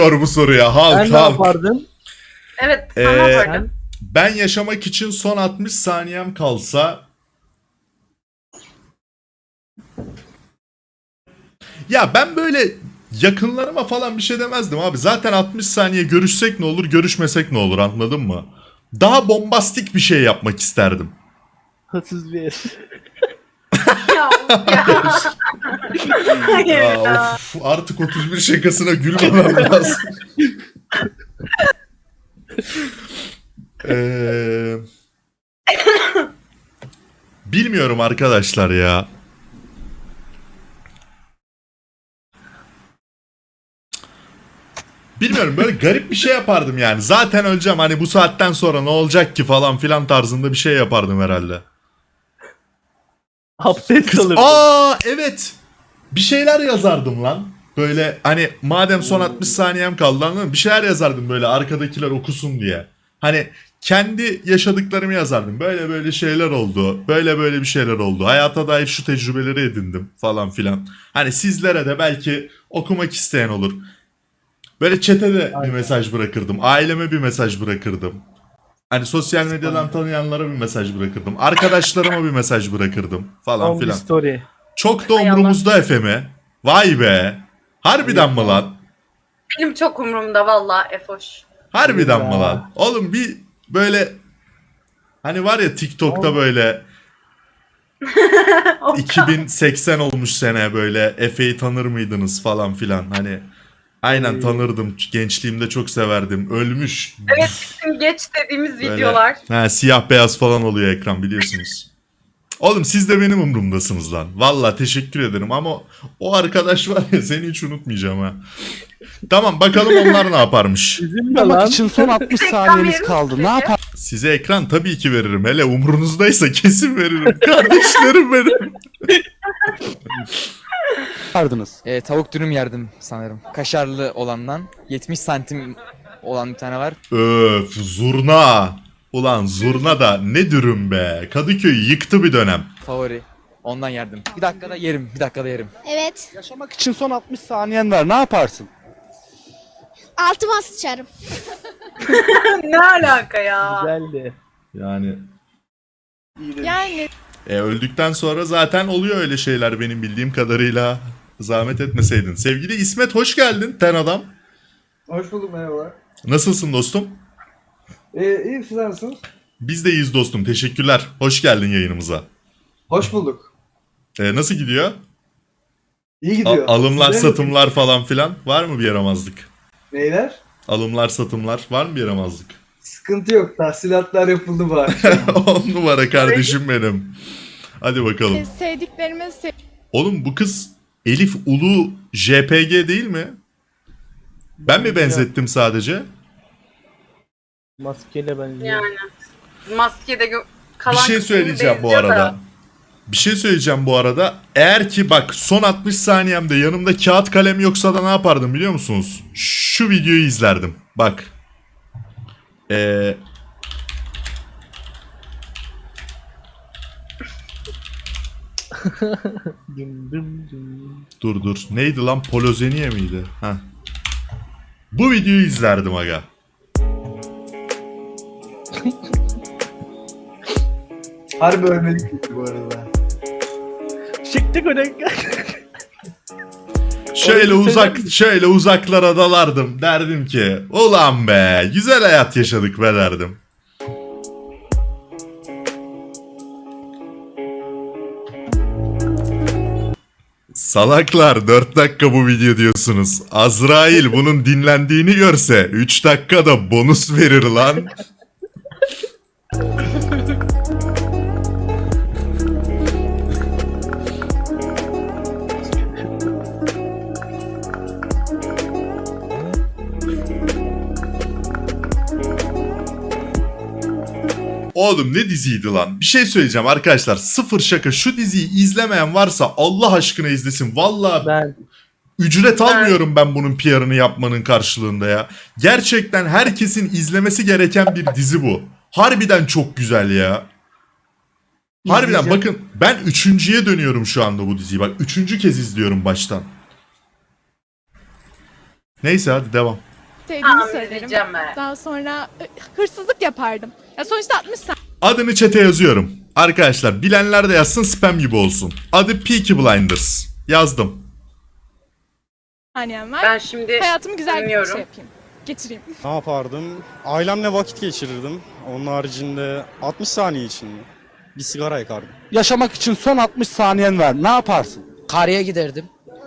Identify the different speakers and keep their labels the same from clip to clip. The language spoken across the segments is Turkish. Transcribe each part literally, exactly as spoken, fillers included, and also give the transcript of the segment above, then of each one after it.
Speaker 1: bu soruya. Halk
Speaker 2: Sen ne
Speaker 1: halk.
Speaker 2: yapardın?
Speaker 3: Evet,
Speaker 1: Ee,
Speaker 3: sen ne yapardın?
Speaker 2: Sen?
Speaker 1: Ben yaşamak için son altmış saniyem kalsa... Ya ben böyle yakınlarıma falan bir şey demezdim abi. Zaten altmış saniye görüşsek ne olur, görüşmesek ne olur, anladın mı? Daha bombastik bir şey yapmak isterdim.
Speaker 2: Hırsız bir ev.
Speaker 3: Ya, of ya. Hayır
Speaker 1: Ya,
Speaker 3: ya.
Speaker 1: of, artık otuz bir şakasına gülmemem lazım. Ee, bilmiyorum arkadaşlar ya. Bilmiyorum, böyle garip bir şey yapardım yani. Zaten öleceğim, hani bu saatten sonra ne olacak ki falan filan tarzında bir şey yapardım herhalde.
Speaker 2: Abdest
Speaker 1: Kız,
Speaker 2: alırdın.
Speaker 1: aa evet. Bir şeyler yazardım lan. Böyle hani madem son altmış saniyem kaldı, anladın mı? Bir şeyler yazardım böyle arkadakiler okusun diye. Hani kendi yaşadıklarımı yazardım. Böyle böyle şeyler oldu. Böyle böyle bir şeyler oldu. Hayata dair şu tecrübeleri edindim falan filan. Hani sizlere de belki okumak isteyen olur. Böyle chat'e de bir
Speaker 2: Aynen.
Speaker 1: mesaj bırakırdım. Aileme bir mesaj bırakırdım. Hani sosyal medyadan tanıyanlara bir mesaj bırakırdım. Arkadaşlarıma bir mesaj bırakırdım falan
Speaker 2: Long bir
Speaker 1: filan.
Speaker 2: story.
Speaker 1: Çok da
Speaker 3: Hay
Speaker 1: umurumuzda Efe'mi. Vay be. Harbiden
Speaker 2: Evet
Speaker 1: mi
Speaker 2: ya.
Speaker 1: lan?
Speaker 3: Benim çok umurumda valla Efoş.
Speaker 1: Harbiden
Speaker 2: Evet
Speaker 1: mi
Speaker 2: ya.
Speaker 1: lan? Oğlum bir böyle hani var ya TikTok'ta
Speaker 2: Oğlum.
Speaker 1: böyle
Speaker 3: Of.
Speaker 1: iki bin seksen olmuş sene, böyle Efe'yi tanır mıydınız falan filan. Hani aynen
Speaker 2: Ee.
Speaker 1: tanırdım. Gençliğimde çok severdim. Ölmüş.
Speaker 3: Evet, bizim geç dediğimiz
Speaker 1: Böyle,
Speaker 3: videolar.
Speaker 1: ha, siyah beyaz falan oluyor ekran, biliyorsunuz. Oğlum siz de benim umurumdasınız lan. Valla teşekkür ederim ama o arkadaş var ya, seni hiç unutmayacağım ha. Tamam, bakalım onlar ne yaparmış.
Speaker 2: Üzülme
Speaker 4: Yapmak
Speaker 2: lan.
Speaker 4: için son altmış
Speaker 3: Reklam
Speaker 4: saniyeniz
Speaker 3: verir
Speaker 4: kaldı.
Speaker 3: misin
Speaker 4: Ne
Speaker 3: peki?
Speaker 1: Size ekran tabii ki veririm. Hele umurunuzdaysa kesin veririm. Kardeşlerim benim.
Speaker 4: yapardınız?
Speaker 5: E, tavuk dürüm yerdim sanırım. Kaşarlı olandan. yetmiş santim olan bir tane var.
Speaker 1: Öf, zurna. Ulan zurna da ne dürüm be. Kadıköy'ü yıktı bir dönem.
Speaker 5: Favori. Ondan yerdim. Bir dakikada yerim. Bir dakikada yerim.
Speaker 6: Evet.
Speaker 4: Yaşamak için son altmış saniyen var. Ne yaparsın?
Speaker 6: Altıma sıçarım.
Speaker 3: Ne alaka ya?
Speaker 2: Güzeldi.
Speaker 1: Yani
Speaker 6: Yani
Speaker 1: e, öldükten sonra zaten oluyor öyle şeyler benim bildiğim kadarıyla. Zahmet etmeseydin. Sevgili İsmet, hoş geldin ten adam.
Speaker 7: Hoş bulduk, merhaba.
Speaker 1: Nasılsın dostum?
Speaker 7: Ee, iyiyim, siz nasılsınız?
Speaker 1: Biz de iyiyiz dostum. Teşekkürler. Hoş geldin yayınımıza.
Speaker 7: Hoş bulduk.
Speaker 1: E, nasıl gidiyor?
Speaker 7: İyi
Speaker 1: A-
Speaker 7: gidiyor.
Speaker 1: alımlar,
Speaker 7: Sizlerin
Speaker 1: satımlar falan filan var mı bir yaramazlık?
Speaker 7: neyler?
Speaker 1: Alımlar, satımlar var mı bir yaramazlık?
Speaker 7: Sıkıntı yok, tahsilatlar yapıldı bari.
Speaker 1: On numara kardeşim benim. Hadi bakalım.
Speaker 6: sevdiklerime sev
Speaker 1: Oğlum bu kız Elif Ulu J P G değil mi? Ben mi benzettim sadece?
Speaker 2: Maskeyle benziyor.
Speaker 3: Yani maskede gö-
Speaker 1: Bir
Speaker 3: kalan
Speaker 1: şey
Speaker 3: kısmı
Speaker 1: söyleyeceğim bu
Speaker 3: benziyor da.
Speaker 1: arada. Bir şey söyleyeceğim bu arada. Eğer ki bak son altmış saniyemde yanımda kağıt kalem yoksa da ne yapardım biliyor musunuz? Şu videoyu izlerdim. Bak. Ee,
Speaker 2: Düm düm düm.
Speaker 1: dur dur. Neydi lan? Polozeniye miydi? Heh. Bu videoyu izlerdim aga.
Speaker 7: Harbi ölmedik gibi bu arada.
Speaker 2: Çıktık öyle.
Speaker 1: Şöyle
Speaker 2: Orayı
Speaker 1: uzak,
Speaker 2: sever
Speaker 1: şöyle uzaklara dalardım. Derdim ki, ulan be, güzel hayat yaşadık be derdim. Salaklar, dört dakika bu video diyorsunuz. Azrail bunun dinlendiğini görse üç dakikada bonus verir lan. Oğlum ne diziydi lan? Bir şey söyleyeceğim arkadaşlar. Sıfır şaka. Şu diziyi izlemeyen varsa Allah aşkına izlesin. Vallahi
Speaker 2: Ben
Speaker 1: ücret almıyorum ben bunun P R'ını yapmanın karşılığında ya. Gerçekten herkesin izlemesi gereken bir dizi bu. Harbiden çok güzel ya. Harbiden
Speaker 7: İzleyeceğim.
Speaker 1: bakın ben üçüncüye dönüyorum şu anda bu diziyi. Bak üçüncü kez izliyorum baştan. Neyse hadi devam.
Speaker 6: sevdiğimi
Speaker 3: Tahmin
Speaker 6: söylerim.
Speaker 3: edeceğim ben.
Speaker 6: Daha sonra e, hırsızlık yapardım. Ya sonuçta altmış
Speaker 1: Adını çete yazıyorum. Arkadaşlar bilenler de yazsın, spam gibi olsun. Adı Peaky Blinders. Yazdım.
Speaker 6: saniyem var.
Speaker 3: Ben şimdi
Speaker 6: Hayatımı güzel bir
Speaker 3: dinliyorum.
Speaker 6: şey yapayım. Geçireyim.
Speaker 8: Ne yapardım? Ailemle vakit geçirirdim. Onun haricinde altmış saniye için mi? Bir sigara yakardım.
Speaker 4: Yaşamak için son altmış saniyen var. Ne yaparsın?
Speaker 9: Karaya giderdim.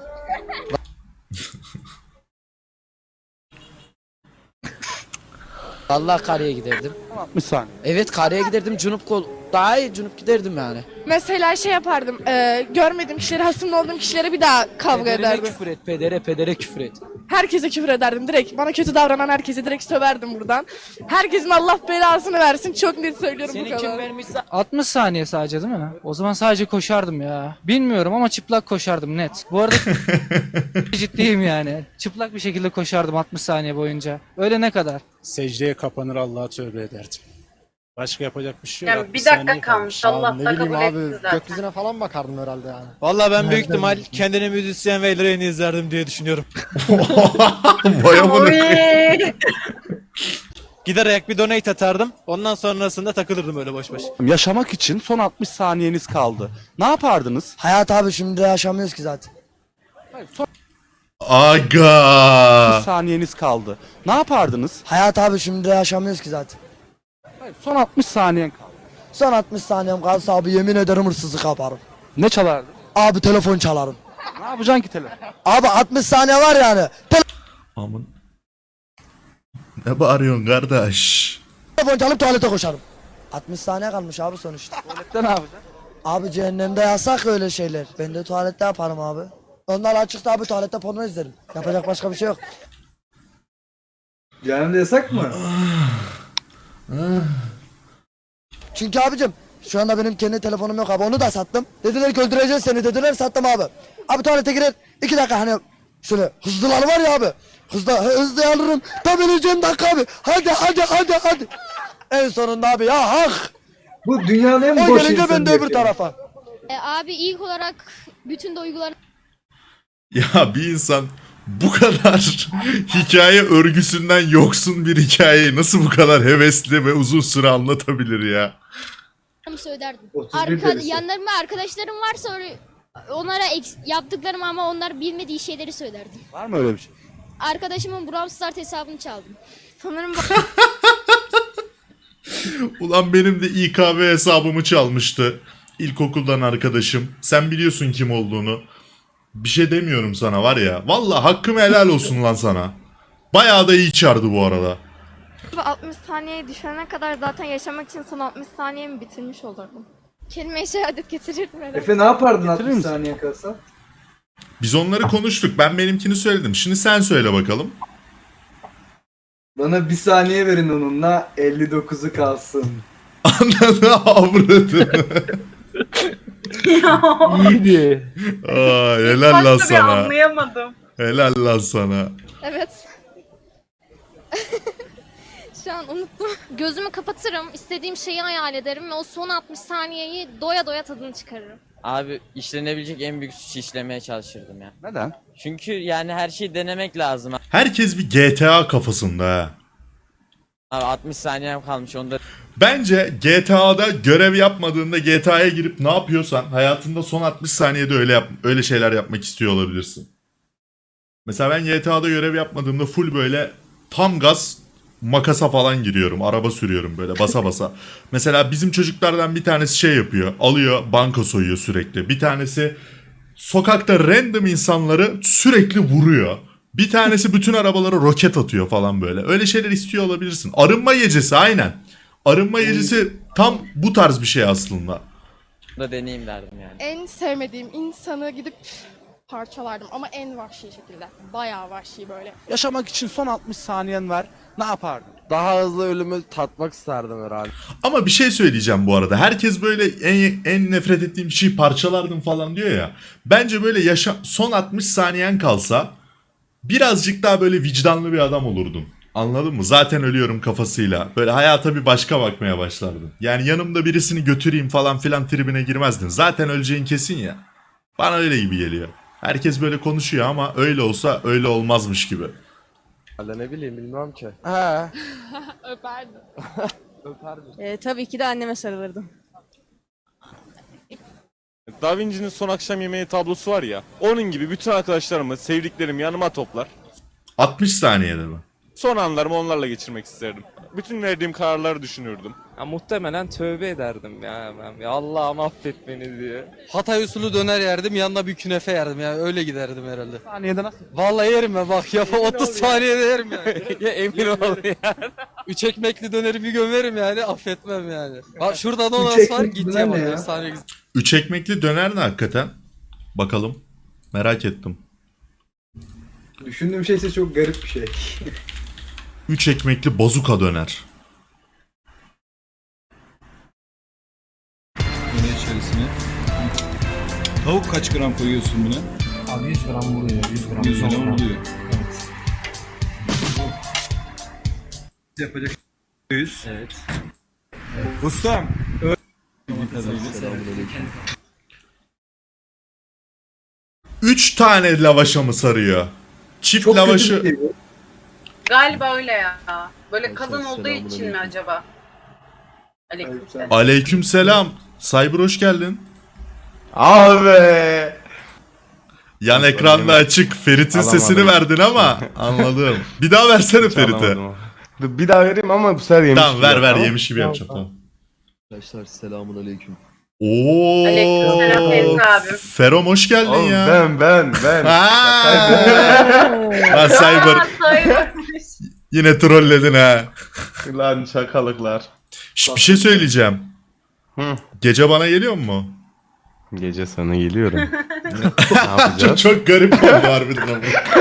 Speaker 9: Vallahi karaya giderdim.
Speaker 4: Son altmış saniye.
Speaker 9: Evet karaya giderdim. Cunup kol daha iyi cunup giderdim yani.
Speaker 6: Mesela şey yapardım. E, görmediğim kişilere, hasımlı olduğum kişilere bir daha kavga
Speaker 9: Pedere
Speaker 6: ederdim.
Speaker 9: küfür et, pedere pedere küfür et.
Speaker 6: Herkese küfür ederdim direkt. Bana kötü davranan herkese direkt söverdim buradan. Herkesin Allah belasını versin. Çok net söylüyorum bu
Speaker 9: Seni
Speaker 6: kadar.
Speaker 9: kim vermişse
Speaker 10: altmış saniye sadece değil mi? O zaman sadece koşardım ya. Bilmiyorum ama çıplak koşardım net. Bu arada ciddiyim yani. Çıplak bir şekilde koşardım altmış saniye boyunca. Öyle ne kadar?
Speaker 8: Secdeye kapanır Allah'a tövbe ederdim. Başka yapacak bir şey yok.
Speaker 3: Yani bir dakika kalmış. Allah da kabul etti zaten.
Speaker 10: falan bakardım herhalde yani.
Speaker 5: Vallahi ben büyük ihtimal kendine müzisyen ve Elren'i izlerdim diye düşünüyorum.
Speaker 1: Vay amına.
Speaker 3: Oy.
Speaker 5: Gider ayak bir donate atardım. Ondan sonrasında takılırdım öyle boş boş.
Speaker 4: Yaşamak için son altmış saniyeniz kaldı. Ne yapardınız?
Speaker 9: Hayat abi şimdi yaşamıyoruz ki zaten.
Speaker 4: Son
Speaker 1: Aga.
Speaker 4: altmış saniyeniz kaldı. Ne yapardınız?
Speaker 9: Hayat abi şimdi yaşamıyoruz ki zaten.
Speaker 4: Son altmış saniyen kaldı.
Speaker 9: Son altmış saniyem kalsa abi yemin ederim hırsızlık yaparım.
Speaker 4: Ne çalardın?
Speaker 9: Abi telefon çalarım.
Speaker 4: Ne yapacaksın ki telefon?
Speaker 9: Abi altmış saniye var yani.
Speaker 1: Aman. Ne bağırıyorsun kardeş?
Speaker 9: Telefon çalıp tuvalete koşarım. altmış saniye kalmış abi sonuçta.
Speaker 4: Tuvalette ne yapacaksın?
Speaker 9: Abi cehennemde yasak öyle şeyler. Ben de tuvalette yaparım abi. Onlar açıkta abi tuvalette porno izlerim. Yapacak başka bir şey yok.
Speaker 7: Cehennemde yasak mı?
Speaker 9: Çünkü abicim şu anda benim kendi telefonum yok abi onu da sattım. Dediler ki öldüreceğiz seni dediler sattım abi. Abi tuvalete girer iki dakika hani şöyle hızlılar var ya abi. Hızlı hızlı alırım. Tam öleceğim dakika abi. Hadi hadi hadi hadi. En sonunda abi ya hak.
Speaker 7: Bu dünyanın en
Speaker 9: O
Speaker 7: boş
Speaker 9: gelince
Speaker 7: insanı
Speaker 9: ben de öbür
Speaker 7: yapıyor.
Speaker 9: tarafa.
Speaker 6: E, abi ilk olarak bütün duygularını
Speaker 1: Ya bir insan bu kadar hikaye örgüsünden yoksun bir hikayeyi nasıl bu kadar hevesli ve uzun süre anlatabilir ya?
Speaker 6: söylerdim.
Speaker 7: otuz bir
Speaker 6: Arka,
Speaker 7: derisi.
Speaker 6: yanlarımda arkadaşlarım varsa öyle- onlara eks- yaptıklarım ama onlar bilmediği şeyleri söylerdim.
Speaker 4: Var mı öyle bir şey?
Speaker 6: Arkadaşımın Brawl Stars hesabını çaldım. Sanırım
Speaker 1: Ulan benim de İ K B hesabımı çalmıştı. İlkokuldan arkadaşım. Sen biliyorsun kim olduğunu. Bir şey demiyorum sana var ya. Vallahi hakkım helal olsun lan sana. Bayağı da iyi çağırdı bu arada.
Speaker 6: altmış saniyeye düşene kadar zaten yaşamak için son altmış saniyemi bitirmiş olurdum. Kelime-i şehadet getirirdim herhalde.
Speaker 7: Efe ne yapardın
Speaker 4: Getirir
Speaker 7: altmış
Speaker 4: misin?
Speaker 7: saniye kalsa?
Speaker 1: Biz onları konuştuk. Ben benimkini söyledim. Şimdi sen söyle bakalım.
Speaker 7: Bana bir saniye verin onunla elli dokuzu kalsın.
Speaker 1: Ananı avradını.
Speaker 2: İyiydi.
Speaker 1: Aa,
Speaker 3: İlk
Speaker 1: helal lan
Speaker 3: başta bir
Speaker 1: sana.
Speaker 3: anlayamadım.
Speaker 1: Helal lan sana.
Speaker 6: Evet. Şu an unuttum. Gözümü kapatırım, istediğim şeyi hayal ederim ve o son altmış saniyeyi doya doya tadını çıkarırım.
Speaker 11: Abi işlenebilecek en büyük suçu işlemeye çalışırdım ya.
Speaker 4: Neden?
Speaker 11: Çünkü yani her şeyi denemek lazım.
Speaker 1: Herkes bir G T A kafasında ha.
Speaker 11: Abi altmış saniyem kalmış onda.
Speaker 1: Bence G T A'da görev yapmadığında G T A'ya girip ne yapıyorsan hayatında son altmış saniyede öyle yap öyle şeyler yapmak istiyor olabilirsin. Mesela ben G T A'da görev yapmadığımda full böyle tam gaz makasa falan giriyorum. Araba sürüyorum böyle basa basa. Mesela bizim çocuklardan bir tanesi şey yapıyor. Alıyor banka soyuyor sürekli. Bir tanesi sokakta random insanları sürekli vuruyor. Bir tanesi bütün arabalara roket atıyor falan böyle. Öyle şeyler istiyor olabilirsin. Arınma gecesi aynen. Arınma gecesi tam bu tarz bir şey aslında.
Speaker 11: Da deneyeyim derdim yani.
Speaker 6: En sevmediğim insanı gidip parçalardım ama en vahşi şekilde. Bayağı vahşi böyle.
Speaker 4: Yaşamak için son altmış saniyen var. Ne yapardın?
Speaker 9: Daha hızlı ölümü tatmak isterdim herhalde.
Speaker 1: Ama bir şey söyleyeceğim bu arada. Herkes böyle en, en nefret ettiğim şeyi parçalardım falan diyor ya. Bence böyle yaşa son altmış saniyen kalsa birazcık daha böyle vicdanlı bir adam olurdun. Anladın mı? Zaten ölüyorum kafasıyla. Böyle hayata bir başka bakmaya başlardın. Yani yanımda birisini götüreyim falan filan tribine girmezdin. Zaten öleceğin kesin ya. Bana öyle gibi geliyor. Herkes böyle konuşuyor ama öyle olsa öyle olmazmış gibi.
Speaker 8: Valla ne bileyim bilmem ki.
Speaker 4: He.
Speaker 6: Öperdim.
Speaker 4: Öperdim.
Speaker 6: Ee, tabii ki de anneme sarılırdım.
Speaker 8: Da Vinci'nin son akşam yemeği tablosu var ya. Onun gibi bütün arkadaşlarımı, sevdiklerimi yanıma toplar.
Speaker 1: altmış saniyede mi?
Speaker 8: Son anlarımı onlarla geçirmek isterdim. Bütün verdiğim kararları düşünürdüm.
Speaker 5: Ya, muhtemelen tövbe ederdim ya ben. Ya Allah'ım affet beni diye.
Speaker 4: Hatay usulü döner yerdim, yanına bir künefe yerdim ya. Öyle giderdim herhalde. Saniyede nasıl? Vallahi yerim ben bak ya. otuz saniyede yerim yani.
Speaker 5: Ya emin ol ya.
Speaker 4: Üç ekmekli döneri bir gömerim yani. Affetmem yani. Bak şurada da
Speaker 7: Üç
Speaker 4: Onas var.
Speaker 7: ekmekli
Speaker 4: Git
Speaker 7: döner ne
Speaker 4: ya.
Speaker 7: ya?
Speaker 4: Efsane güzel.
Speaker 1: Üç ekmekli döner ne hakikaten? Bakalım. Merak ettim.
Speaker 7: Düşündüğüm şey ise çok garip bir şey.
Speaker 1: Üç ekmekli bazuka döner.
Speaker 12: Bunun içerisine. Tavuk kaç gram koyuyorsun buna?
Speaker 2: Abi yüz gram vuruyor. yüz gram.
Speaker 12: yüz gram oluyor.
Speaker 2: Evet.
Speaker 12: Yapacak yüz. Evet. Ustam.
Speaker 1: Üç tane lavaşa mı sarıyor? Çift
Speaker 7: Çok
Speaker 1: lavaşı...
Speaker 7: kötü bir şey bu.
Speaker 3: Galiba öyle ya. Böyle kadın olduğu için mi acaba? Aleykümselam.
Speaker 1: Aleykümselam. Cyber hoş geldin.
Speaker 8: Abi.
Speaker 1: Yan ekranda açık. Ferit'in
Speaker 8: Alamadım.
Speaker 1: sesini verdin ama anladım. Bir daha versene Ferit'e.
Speaker 8: Bir daha vereyim ama bu sefer yemiş
Speaker 1: Tamam ver ver yemiş gibi yapacağım tamam.
Speaker 9: Arkadaşlar selamun aleyküm.
Speaker 1: Oo.
Speaker 3: Aleykümselam Ferit abim.
Speaker 1: Ferom hoş geldin ya.
Speaker 8: Ben ben ben.
Speaker 1: Ha. Lan Cyber
Speaker 3: Aa, sayılmış.
Speaker 1: yine trolledin ha.
Speaker 8: Lan şakalıklar.
Speaker 1: Şş, bir şey söyleyeceğim.
Speaker 8: Hı.
Speaker 1: Gece bana geliyor mu?
Speaker 8: Gece sana geliyorum. ne
Speaker 1: Çok, çok garip oldu harbiden ama.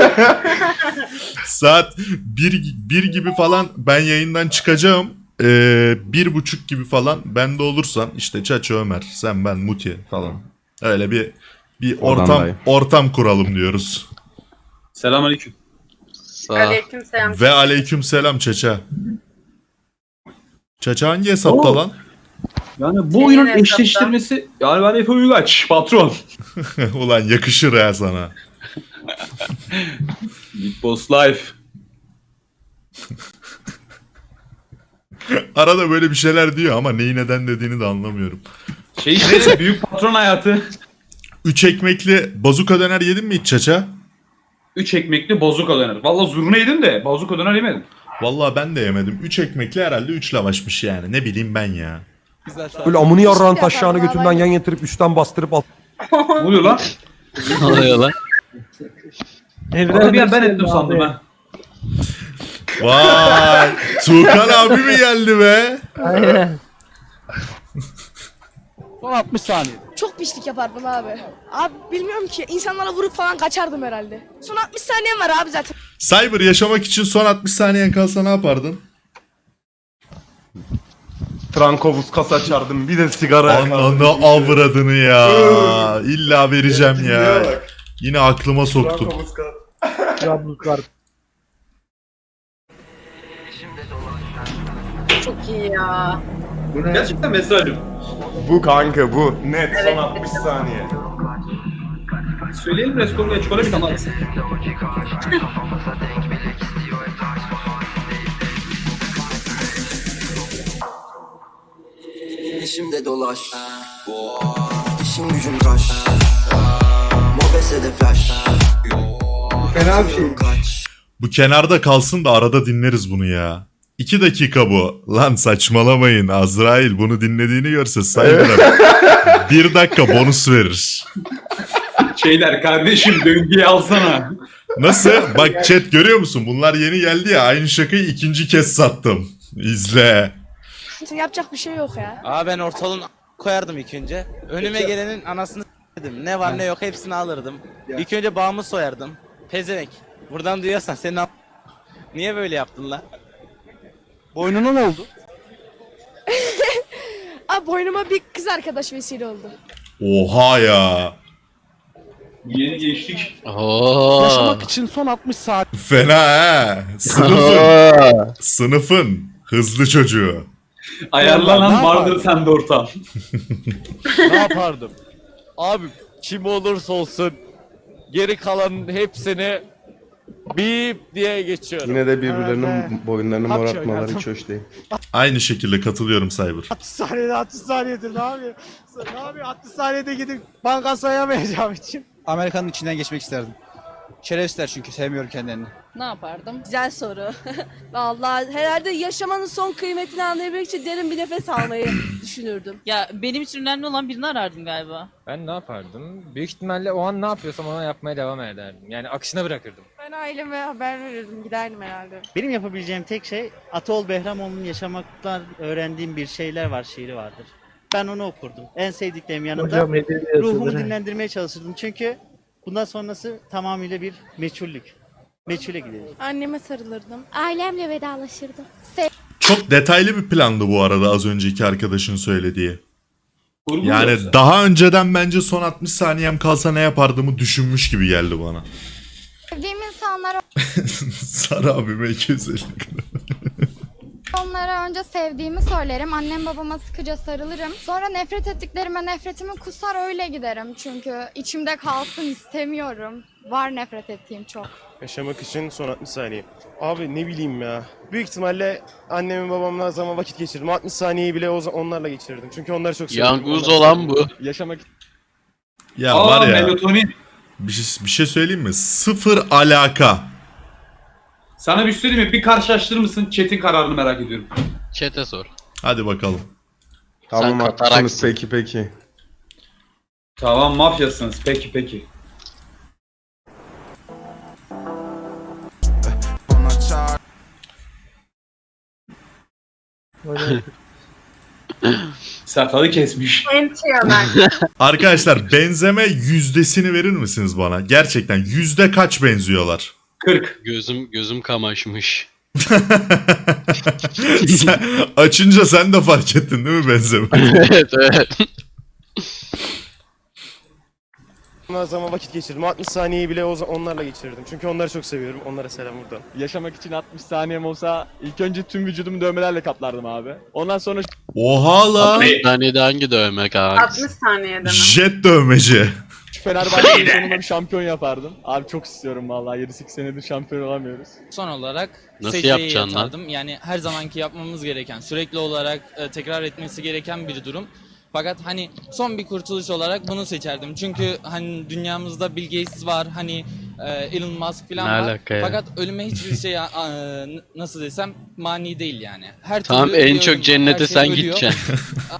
Speaker 1: Saat bir, bir gibi falan ben yayından çıkacağım. Ee, bir buçuk gibi falan bende olursan işte Çaço Ömer, sen ben Muti falan. Öyle bir bir ortam
Speaker 8: Odandayım.
Speaker 1: ortam kuralım diyoruz.
Speaker 12: Selamünaleyküm.
Speaker 3: Aleykümselam.
Speaker 1: Ve aleykümselam Çaça. Çaça hangi hesapta
Speaker 12: Oo.
Speaker 1: lan?
Speaker 12: Yani bu
Speaker 3: Senin
Speaker 12: oyunun
Speaker 3: hesapta.
Speaker 12: eşleştirmesi yani ben Efe Uygaç patron.
Speaker 1: Ulan yakışır ya sana.
Speaker 12: Big Boss Life.
Speaker 1: Arada böyle bir şeyler diyor ama neyi neden dediğini de anlamıyorum.
Speaker 12: Şey işte büyük patron hayatı.
Speaker 1: Üç ekmekli bazuka döner yedin mi hiç Çaça?
Speaker 12: Üç ekmekli bazuka döner. Valla zurna yedim de bazuka döner yemedim.
Speaker 1: Vallahi ben de yemedim. Üç ekmekli herhalde üç lavaşmış yani. Ne bileyim ben ya.
Speaker 4: Güzel
Speaker 9: Böyle amını yarrağın taşağını götünden yan getirip üstten bastırıp alt.
Speaker 12: Ne oluyor lan?
Speaker 5: Ne oluyor lan?
Speaker 12: Vallahi bir an ben ettim sandım ha.
Speaker 1: Vay! Tuğkan abi mi geldi be?
Speaker 2: Aynen.
Speaker 4: Son altmış saniye.
Speaker 6: Çok pislik yapardım abi. Abi bilmiyorum ki. İnsanlara vurup falan kaçardım herhalde. Son altmış saniyem var abi zaten.
Speaker 1: Cyber yaşamak için son altmış saniyen kalsa ne yapardın?
Speaker 8: Trankovuz kas açardım. Bir de sigara
Speaker 1: Ananı avradını ya. İlla vereceğim ya. Yine aklıma soktun.
Speaker 2: Trablusgar.
Speaker 3: Çok iyi ya.
Speaker 7: Bu ne?
Speaker 12: Gerçekten mesajım.
Speaker 8: Bu kanka bu. Net
Speaker 3: Evet.
Speaker 8: son altmış saniye.
Speaker 12: Söyleyelim Reskol'da çikolata bir tane alsın.
Speaker 9: İşimde dolaş. İşim gücüm kaş. Mobese de flash.
Speaker 7: Fena bir şey.
Speaker 1: Bu kenarda kalsın da arada dinleriz bunu ya. İki dakika bu. Lan saçmalamayın. Azrail bunu dinlediğini görse Cyber'a bir dakika bonus verir.
Speaker 12: Şeyler kardeşim döngüye alsana.
Speaker 1: Nasıl? Bak chat görüyor musun? Bunlar yeni geldi ya. Aynı şakayı ikinci kez sattım. İzle.
Speaker 6: Yapacak bir şey yok ya.
Speaker 5: Aa ben ortalığın koyardım ilk önce. Önüme gelenin anasını s**tim. Ne var ne yok hepsini alırdım.
Speaker 7: Ya.
Speaker 5: İlk önce bağımı soyardım. Pezevenk. Buradan duyuyorsan senin a- niye böyle yaptın lan?
Speaker 4: Boynuna ne oldu?
Speaker 6: Abi boynuma bir kız arkadaş vesile oldu.
Speaker 1: Oha ya.
Speaker 12: Yeni geçtik.
Speaker 4: Yaşamak için son altmış saat.
Speaker 1: Fena ha. Sınıfın. Sınıfın. Hızlı çocuğu.
Speaker 12: Ayarlanan
Speaker 4: Ne
Speaker 12: vardır
Speaker 4: yapardın?
Speaker 12: sende ortam.
Speaker 5: Ne yapardım? Abi kim olursa olsun geri kalanın hepsini
Speaker 8: Bip diye geçiyorum.
Speaker 13: Yine de birbirlerinin
Speaker 8: Evet.
Speaker 13: boyunlarını
Speaker 8: Hapşi
Speaker 13: morartmaları
Speaker 8: oynardım.
Speaker 13: hiç hoş değil.
Speaker 1: Aynı şekilde katılıyorum Cyber.
Speaker 8: altmış saniyede altmış saniyedir ne yapıyor? Ne yapıyor? altmış saniyede gidip banka soyamayacağım için. Amerika'nın içinden geçmek isterdim. Şerefsizler çünkü sevmiyorum kendilerini.
Speaker 6: Ne yapardım?
Speaker 3: Güzel soru. Vallahi herhalde yaşamanın son kıymetini anlayabilmek için derin bir nefes almayı düşünürdüm.
Speaker 6: Ya benim için önemli olan birini arardım galiba.
Speaker 5: Ben ne yapardım? Büyük ihtimalle o an ne yapıyorsam ona yapmaya devam ederdim. Yani akışına bırakırdım.
Speaker 6: Ben aileme haber verirdim, giderdim herhalde.
Speaker 8: Benim yapabileceğim tek şey Atol Behramoğlu'nun yaşamaktan öğrendiğim bir şeyler var şiiri vardır. Ben onu okurdum. En sevdiklerim yanında
Speaker 2: Hocam edebiyatı
Speaker 8: ruhumu
Speaker 2: değil mi?
Speaker 8: dinlendirmeye çalışırdım. Çünkü bundan sonrası tamamıyla bir meçhullük. Meçhule gidecek.
Speaker 6: Anneme sarılırdım.
Speaker 3: Ailemle vedalaşırdım.
Speaker 1: Çok detaylı bir plandı bu arada az önceki arkadaşın söylediği.
Speaker 12: Kurgu
Speaker 1: Yani
Speaker 12: yoksa.
Speaker 1: daha önceden bence son altmış saniyem kalsa ne yapardımı düşünmüş gibi geldi bana.
Speaker 6: Sevdiğim insanlara
Speaker 1: Sarı abime iki yüz elli
Speaker 6: onlara önce sevdiğimi söylerim. Annem babama sıkıca sarılırım. Sonra nefret ettiklerime nefretimi kusar öyle giderim. Çünkü içimde kalsın istemiyorum. Var nefret ettiğim çok.
Speaker 8: Yaşamak için son altmış saniye. Abi ne bileyim ya. Büyük ihtimalle annemin babamla zaman vakit geçirdim. altmış saniyeyi bile o- onlarla geçirirdim. Çünkü onları çok seviyorum.
Speaker 11: Yanguz
Speaker 8: Onları
Speaker 11: olan
Speaker 8: seviyorum.
Speaker 11: bu.
Speaker 8: Yaşamak
Speaker 1: Ya
Speaker 12: Aa,
Speaker 1: var ya
Speaker 12: melatonin.
Speaker 1: bir şey, bir şey söyleyeyim mi? Sıfır alaka.
Speaker 12: Sana bir şey söyleyeyim mi? Bir karşılaştırır mısın? Chat'in kararını merak ediyorum.
Speaker 11: Chat'e sor.
Speaker 1: Hadi bakalım.
Speaker 13: Tamam
Speaker 11: Sen
Speaker 13: haklısınız
Speaker 11: kataraksın.
Speaker 13: peki peki.
Speaker 12: Tamam mafyasınız. Peki peki.
Speaker 2: Böyle
Speaker 12: Sakalı kesmiş.
Speaker 3: Enti Ömer.
Speaker 1: Arkadaşlar benzeme yüzdesini verir misiniz bana? Gerçekten yüzde kaç benziyorlar?
Speaker 12: kırk.
Speaker 11: Gözüm gözüm kamaşmış.
Speaker 1: Sen, açınca sen de fark ettin değil mi benzeme?
Speaker 11: evet evet.
Speaker 8: onlarla zaman vakit geçirdim. altmış saniyeyi bile o- onlarla geçirirdim. Çünkü onları çok seviyorum. Onlara selam buradan. Yaşamak için altmış saniyem olsa ilk önce tüm vücudumu dövmelerle kaplardım abi. Ondan sonra
Speaker 1: Oha lan.
Speaker 12: Abi,
Speaker 11: Saniyede hangi dövme kanka?
Speaker 3: altmış saniyede mi?
Speaker 1: Jet dövmeci.
Speaker 8: Fenerbahçe'nin sonunda bir şampiyon yapardım. Abi çok istiyorum vallahi yedi sekiz senedir şampiyon olamıyoruz.
Speaker 10: Son olarak
Speaker 11: Nasıl
Speaker 10: secdeye
Speaker 11: yapacaksın lan?
Speaker 10: yatardım. Yani her zamanki yapmamız gereken, sürekli olarak e, tekrar etmesi gereken bir durum. Fakat hani son bir kurtuluş olarak bunu seçerdim. Çünkü hani dünyamızda Bill Gates var, hani e, Elon Musk falan
Speaker 11: Ne
Speaker 10: var.
Speaker 11: alaka ya?
Speaker 10: Fakat ölüme hiçbir şey e, n- nasıl desem mani değil yani. Her
Speaker 11: Tamam
Speaker 10: türlü bir
Speaker 11: en
Speaker 10: ölüm
Speaker 11: çok
Speaker 10: var,
Speaker 11: cennete
Speaker 10: her şey
Speaker 11: sen
Speaker 10: ölüyor.
Speaker 1: Ya
Speaker 11: gideceksin.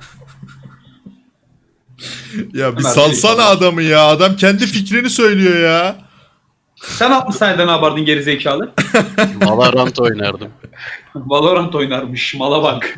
Speaker 1: bir
Speaker 12: Ömer,
Speaker 1: salsana
Speaker 12: bir-
Speaker 1: adamı ya. Adam kendi fikrini söylüyor ya.
Speaker 12: Sen altmış saniyede ne yapardın gerizekalı?
Speaker 11: Valorant oynardım.
Speaker 12: Valorant oynarmış. Mala bak.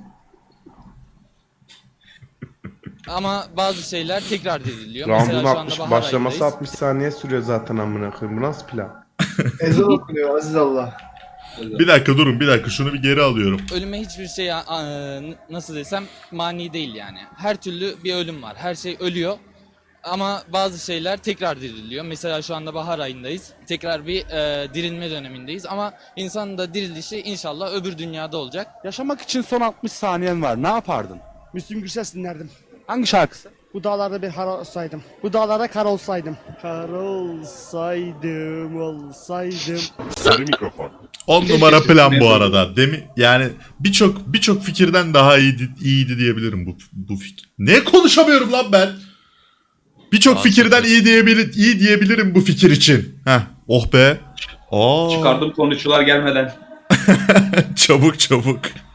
Speaker 10: Ama bazı şeyler tekrar ediliyor.
Speaker 13: Round'un
Speaker 10: Mesela şu anda
Speaker 13: altmış
Speaker 10: bahar
Speaker 13: başlaması
Speaker 10: ayındayız.
Speaker 13: altmış saniye sürüyor zaten amına koyayım. Bu nasıl plan?
Speaker 7: Ezan okunuyor Aziz Allah.
Speaker 1: Bir dakika durun bir dakika şunu bir geri alıyorum.
Speaker 10: Ölüme hiçbir şey a- a- n- nasıl desem mani değil yani. Her türlü bir ölüm var. Her şey ölüyor. Ama bazı şeyler tekrar diriliyor. Mesela şu anda bahar ayındayız. Tekrar bir e, dirilme dönemindeyiz. Ama insanın da dirilişi inşallah öbür dünyada olacak.
Speaker 8: Yaşamak için son altmış saniyen var. Ne yapardın?
Speaker 9: Müslüm Gürses dinlerdim.
Speaker 8: Hangi şarkısı?
Speaker 9: Bu dağlarda bir kar olsaydım. Bu dağlarda kar olsaydım.
Speaker 8: Kar olsaydım, olsaydım.
Speaker 1: on numara plan bu arada. Demi yani birçok birçok fikirden daha iyiydi, iyiydi diyebilirim bu bu fikir. Ne konuşamıyorum lan ben? Birçok
Speaker 11: Aa,
Speaker 1: fikirden
Speaker 11: süper.
Speaker 1: iyi diyebilir iyi diyebilirim bu fikir için. Heh, oh be. Aa,
Speaker 12: Çıkardım konuşular gelmeden.
Speaker 1: çabuk çabuk.